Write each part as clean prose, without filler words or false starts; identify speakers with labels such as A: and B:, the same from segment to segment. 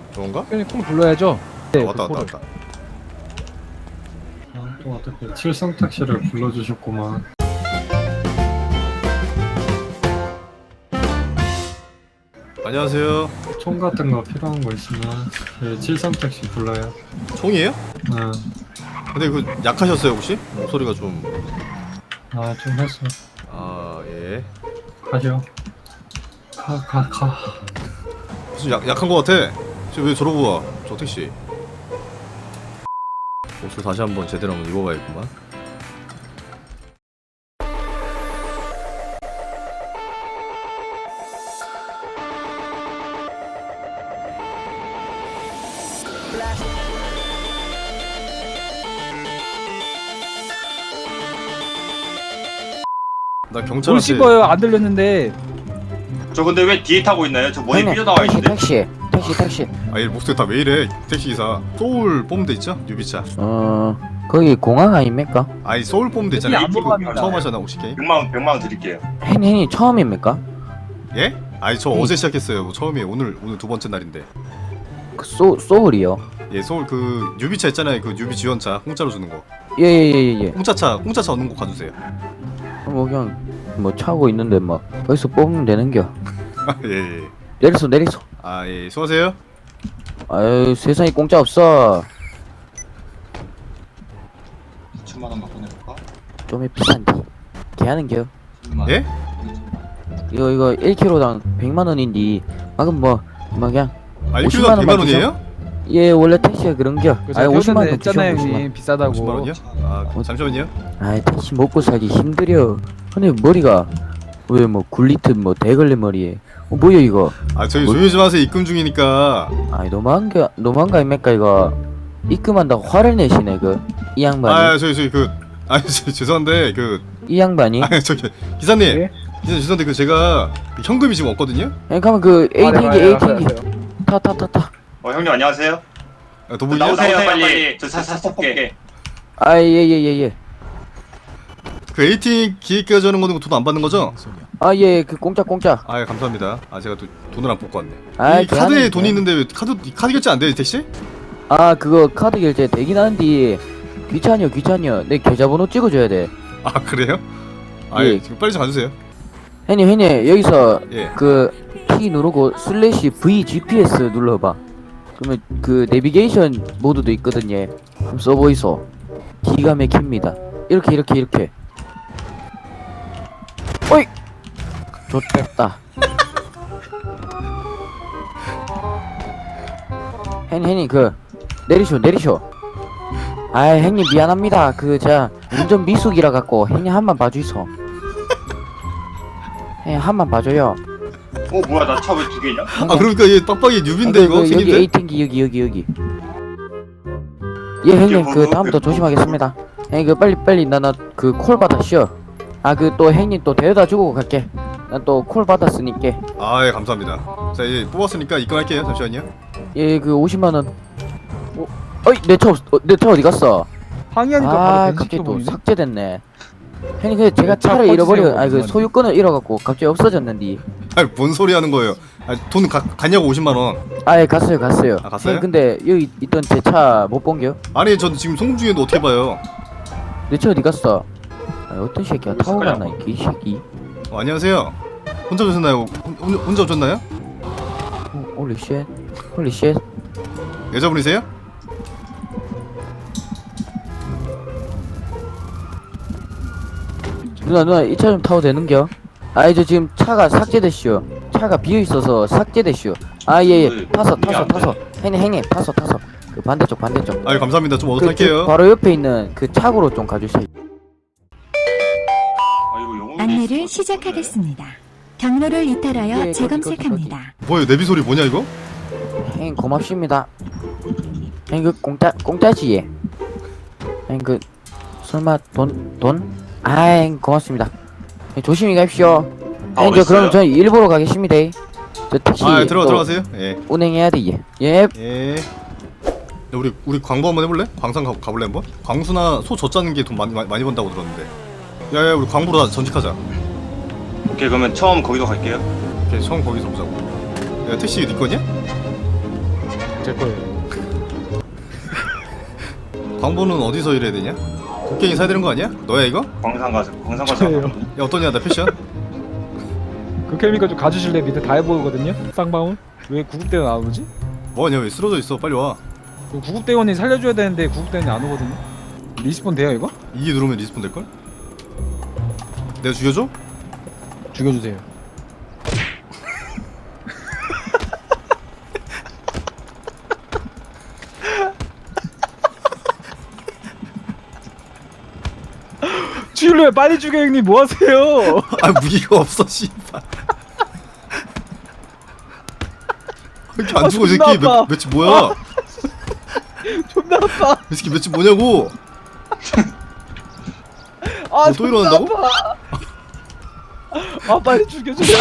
A: 그런가?
B: 형님 콩 불러야죠. 네,
A: 왔다 왔다 왔다.
C: 아, 또 어떻게 칠성 택시를 불러주셨구만.
A: 안녕하세요.
C: 총 같은 거 필요한 거 있으면 칠성 택시 불러요.
A: 총이에요?
C: 응.
A: 근데 그 약하셨어요 혹시? 목소리가 좀...
C: 아, 좀 했어.
A: 아 예.
C: 가죠. 가.
A: 무슨 약한 거 같아. 지금 왜 저러고 와? 저 택시. 옷을 다시 한번 제대로 한번 입어봐야겠구만. 나
B: 뭘
A: 경찰한테...
B: 씹어요? 안 들렸는데.
D: 저 근데 왜 뒤에 타고 있나요? 저 머리 삐져나와 있는데.
E: 택시.
A: 아 얘 목소리 다 왜 이래? 택시기사 소울 뽑으면 돼 있죠? 뉴비차.
E: 거기 공항 아닙니까?
A: 아니 소울 뽑으면 돼 있잖아.
B: 안 뽑았나?
A: 처음 하잖아 혹시 게임?
D: 100만 원 드릴게요.
E: hen이 처음입니까?
A: 예? 아니 저 어제 시작했어요. 뭐 처음이에요. 오늘 두 번째 날인데.
E: 그 소울이요.
A: 예 소울 그 뉴비차 있잖아요. 그 뉴비 지원차 공짜로 주는 거.
E: 예예예예.
A: 공짜차 얻는 거 가주세요.
E: 뭐 그냥 뭐 차고 있는데 막 거기서 뽑으면 되는겨.
A: 예.
E: 내리소.
A: 아 예. 수고하세요.
E: 아유 세상에 공짜 없어.
D: 2천만 원만 보내볼까?
E: 좀 비싼데. 개하는겨.
A: 예?
E: 이거 1kg당 100만 원인데 방금 뭐 그냥
A: 아
E: 50만
A: 1kg당
E: 원만
A: 100만 원이에요?
E: 예 원래 택시가 그런겨.
B: 그래서
E: 아니 50만 원
B: 했잖아요,
E: 주셔, 50만
B: 형님. 비싸다고.
A: 50만 원이요? 아 잠시만요.
E: 아이 택시 먹고 살기 힘들여. 근데 머리가 왜 뭐 굴리트 뭐 대걸레 머리에 뭐야 이거.
A: 아 저희
E: 뭘?
A: 조용히 좀 하세요. 입금 중이니까.
E: 아이 너무한 거 아닙니까 이거. 입금한다고 화를 내시네 그 이 양반이.
A: 아 저희 그 아니 죄송한데 그
E: 이 양반이.
A: 아니 저기 기사님.
B: 예?
A: 기사님 죄송한데 그 제가 현금이 지금 없거든요.
E: 아니 가면 그
B: 알아요,
E: 에이팅기
B: 알아요.
E: 타.
D: 형님 안녕하세요.
A: 아, 도둑이요?
D: 나오세요 빨리. 저 사게.
E: 아 예예예예.
A: 그 에이팅 기획까지 하는 거는 돈 안 받는 거죠?
E: 아 예 그 공짜.
A: 아 예, 감사합니다. 아 제가 또 돈을 안 뽑고 왔네.
E: 아이,
A: 이 카드에
E: 개하네,
A: 돈이 있는데 왜 카드 결제 안 돼요 택시?
E: 아 그거 카드 결제 되긴 하는데 귀찮여. 내 계좌번호 찍어줘야 돼.
A: 아 그래요? 아
E: 예.
A: 예. 지금 빨리 좀 가주세요.
E: 형님 여기서
A: 예.
E: 그 T 누르고 슬래시 V GPS 눌러봐. 그러면 그 내비게이션 모드도 있거든요. 한번 써보이소. 기가 막힙니다. 이렇게. 어이! 좋겠다. 형님 그 내리쇼. 아이 형님 미안합니다. 그 자 운전 미숙이라 갖고 형님 한번 봐주이소. 형님 한번 봐줘요.
D: 뭐야 나 차 왜 두 개냐?
A: 아 그러니까 얘 빡빡이 뉴비인데 이거
E: 여기
A: 생긴데?
E: 에이팅기 여기. 예 형님 그 다음부터 조심하겠습니다. 형님 그 빨리 나 그 콜 받아 쉬어. 아 그 또 형님 또 데려다 주고 갈게. 난 또 콜 받았으니까.
A: 아 예 감사합니다. 자 이제 뽑았으니까 입금할게요. 잠시만요.
E: 예 그 50만 원. 어이 내 차 어디 갔어?
B: 항의하니까
E: 아
B: 바로
E: 갑자기 또
B: 보이네.
E: 삭제됐네. 형님 그 제가
B: 차
E: 차를 잃어버려.
B: 꺼주세요,
E: 아그
B: 그만.
E: 소유권을 잃어갖고 갑자기 없어졌는데.
A: 아니 뭔 소리 하는 거예요? 아, 돈 갔냐고 50만 원.
E: 아예 갔어요.
A: 아, 갔어요?
E: 형님 근데 여기 있던 제 차 못 본겨?
A: 아니 전 지금 송금 중인데 어떻게 봐요?
E: 내 차 어디 갔어? 아 어떤 새끼야 타고 갔나 이 개새끼.
A: 안녕하세요. 혼자 오셨나요? 혼자 오셨나요?
E: 홀리 쉣.
A: 여자분이세요?
E: 누나 이 차 좀 타도 되는겨? 아이 저 지금 차가 삭제됐슈. 차가 비어있어서 삭제됐슈. 아 예예 타서 행님 타서 그 반대쪽
A: 아유 감사합니다. 좀
E: 그
A: 어떡할게요.
E: 바로 옆에 있는 그 차고로 좀 가주세요.
D: 아 이거 영웅이
F: 안내를 시작하겠습니다. 경로를 이탈하여
E: 예,
F: 재검색합니다.
A: 뭐예요? 내비 소리 뭐냐 이거?
E: 행님 고맙습니다. 행님 그 공짜지? 행님 그 설마 돈? 아잉 고맙습니다. 형님, 조심히 가십시오. 행님 저 그럼 저 일보러 가겠습니다. 저 택시
A: 아
E: 또
A: 들어가세요. 예.
E: 운행해야 돼. 예.
A: 예. 야, 우리 광부 한번 해볼래? 광산 가볼래 한번? 광수나 소 젖자는 게 돈 많이 번다고 들었는데. 야야 우리 광부로 전직하자.
D: 오케이 그러면 처음 거기로 갈게요.
A: 오케이 처음 거기서 보자고. 야 택시 네 거냐?
B: 제 거예요.
A: 광보는 어디서 일해야 되냐? 곡괭이 사야 되는 거 아니야? 너야 이거?
D: 광산 가서
B: 저예요.
A: 야 어떠냐 나 패션?
B: 그 케미컬 좀 가주실래? 밑에 다 해보거든요. 쌍방울. 왜 구급대원 안 오지?
A: 뭐하냐 왜 쓰러져 있어 빨리 와.
B: 그 구급대원이 살려줘야 되는데 구급대원이 안 오거든요. 리스폰 돼요 이거?
A: 2 누르면 리스폰 될걸? 내가 죽여줘?
B: 죽여주세요. 죽일래요 빨리 죽여 형님 뭐하세요?
A: 아 무기가 없어 씨발. 왜 이렇게 안 죽어 이 새끼
B: 존나 아파.
A: 며칠 뭐야?
B: 존나 아파.
A: 이 새끼 며칠 뭐냐고?
B: 아
A: 또 일어난다고?
B: 아 빨리 죽여주세요.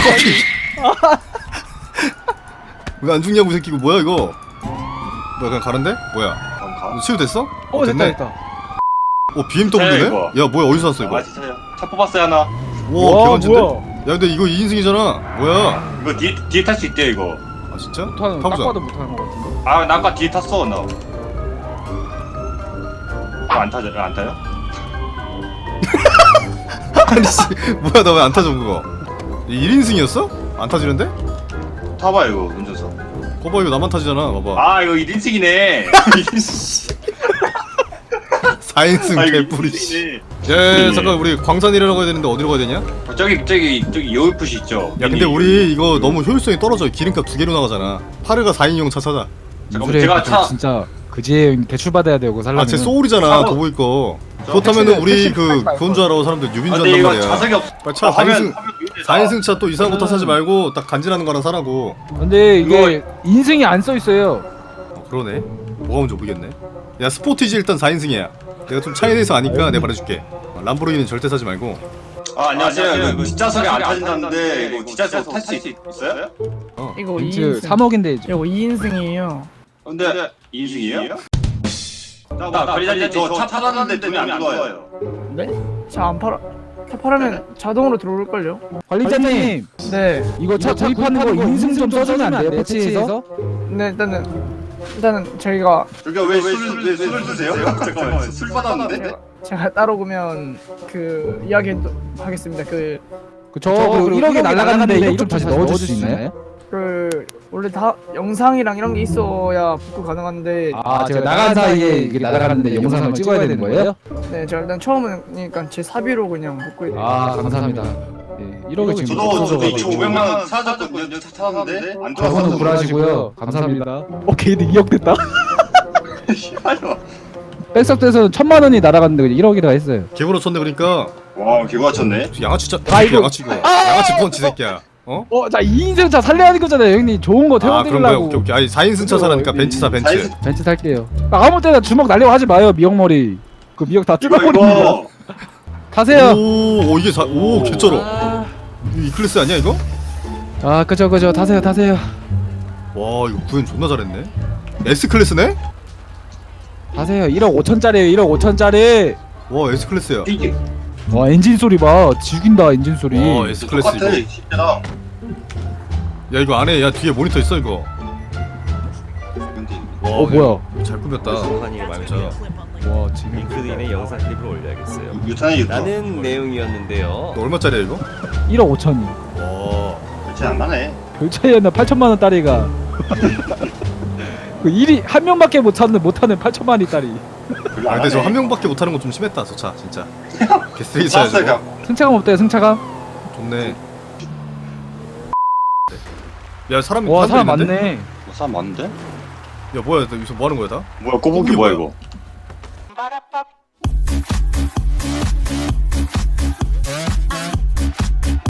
A: 왜 안 죽냐고 이 새끼 이거 뭐야 이거? 뭐야 그냥 가는데? 뭐야? 너 치유됐어?
B: 어 됐다
A: 됐네.
B: 됐다.
A: BMW네?
D: 이거.
A: 야 뭐야 어디서 샀어 이거?
D: 아 진짜요? 차 뽑았어요 하나.
A: 와 개만진데?
B: 뭐야?
A: 야 근데 이거 2인승이잖아 뭐야?
D: 이거 뒤에 탈 수 있대요 이거.
A: 아 진짜?
B: 못하는 딱
A: 타보자.
B: 봐도 못하는 것 같은데.
D: 아 나 아까 뒤에 탔어 나. 안 타죠? 안 타요?
A: 아니 씨 뭐야 나 왜 안 타져 그거? 1인승이었어? 안 타지는데?
D: 타봐요 이거 운전석.
A: 거봐 이거 나만 타지잖아 봐봐
D: 아 이거 1인승이네.
A: 4인승 개뿌리 씨. 야 잠깐 우리 광산 일하러 가야 되는데 어디로 가야 되냐?
D: 저기 여울풋이 있죠.
A: 야 근데 우리 이거 너무 효율성이 떨어져 기름값 2개로 나가잖아 파르가 4인용 차 찾아
D: 잠깐만 제가 차
B: 진짜 그지에 대출 받아야 되고 살려면.
A: 아쟤 소울이잖아 도보이 거 그렇다면은 우리 그건 줄 알아 사람들 유빈 줄
D: 근데
A: 안단
D: 이거
A: 말이야
D: 자석이 없어.
A: 빨리 차
D: 하면
A: 4인승 차 또 이상한 거 타 사지 말고 딱 간지나는 거랑 사라고
B: 근데 이게 인생이 안 써 있어요.
A: 그러네 뭐가 뭔지 모르겠네 야 스포티지 일단 4인승이야 내가 좀 차에 대해서 아니까 내가 말해줄게 람보르기니는 절대 사지 말고
D: 아 안녕하세요. 이거 뒷좌석이 안 타진다는데 이거 뒷좌석 탈 수 있어요?
G: 이거
B: 벤츠
G: 2인승
B: 3억인데 이제.
G: 이거 2인승이에요.
D: 근데 2인승이에요? 나 관리자님 저차 팔았는데 돈이 안 들어와요.
G: 네? 차 안 팔아. 차 팔으면 자동으로 들어올걸요?
B: 관리자님
G: 네.
B: 이거 차 구입하는 거 인증 좀 써주면 안 돼요? 패치해서?
G: 네 일단은 저희가
D: 저기가 왜 술을 드세요? 잠깐만 술 받았는데?
G: 제가 따로 보면 그 이야기 하겠습니다.
B: 그저 1억에 날라갔는데 1억 좀 다시 넣어줄 수 있나요?
G: 원래 다 영상이랑 이런 게 있어야 복구 가능한데
B: 아 제가 나간 사이에 이게 날아가는데 영상을 찍어야 되는 거예요?
G: 네 제가 일단 처음이니까 제 사비로 그냥 복구해 드릴게요.
B: 아 감사합니다. 예, 1억에 지금
D: 저도 2,500만 원 사줬거든요. 차 탔는데 안
B: 저거는
D: 들어와서
B: 굴하시고요. 감사합니다. 오케이 2억 됐다.
D: 씨발로.
B: 백석대에서는 1,000만 원이 날아갔는데 그냥 1억이라 했어요.
A: 개구로 쳤네 그러니까
D: 와 개가 쳤네.
A: 양아치 짜
B: 아, 이거-
A: 양아치 이거 양아치 펀치 새끼야 어?
B: 자 2인승 차 살려야 하는 거잖아요 형님. 좋은 거
A: 아 그런 거야
B: 태워드리려고.
A: 오케이 아니 4인승 차 사라니까 벤츠 사 벤츠
D: 사인승-
B: 벤츠 살게요. 아무 때나 주먹 날려고 하지 마요 미역머리. 그 미역 다 뜯어버립니다.
D: 이거
B: 타세요.
A: 오 이게 오 개쩔어 이거 이 클래스 아니야 이거?
B: 아 그죠 타세요.
A: 와 이거 구현 존나 잘했네 S 클래스네?
B: 타세요. 1억 5천짜리에요 1억 5천짜리.
A: 와 S 클래스야
D: 이게
B: 와 엔진 소리 봐. 죽인다 엔진 소리.
A: 와 S 클래스
D: 똑같아.
A: 이거
D: 진짜.
A: 야 이거 안에 야 뒤에 모니터 있어 이거 와
B: 뭐야.
A: 이거 잘 꾸몄다
H: 소환이
A: 진짜
B: 와 지금
H: 링크드인에 영상 클립을 올려야겠어요.
D: 유탄이 유탄.
H: 라는 내용이었는데요.
A: 너 얼마짜리야 이거?
B: 1억 5천이.
A: 와
D: 그렇지 안 나네.
B: 별 차이였나 8천만 원 딸이가. 그 일이 한 명밖에 못하는 8천만 원 딸이.
A: 아 근데 저 한 명밖에 못하는 건 좀 심했다 저 차 진짜 개쓰레기 차야 저거
D: 쌌어요.
B: 승차감 어때요 승차감?
A: 좋네 야 사람이
B: 와 사람
A: 있는데?
B: 많네.
D: 사람 많은데?
A: 야 뭐야 너 여기서 뭐하는 거야 다?
D: 뭐야 꼬북이 뭐야 이거?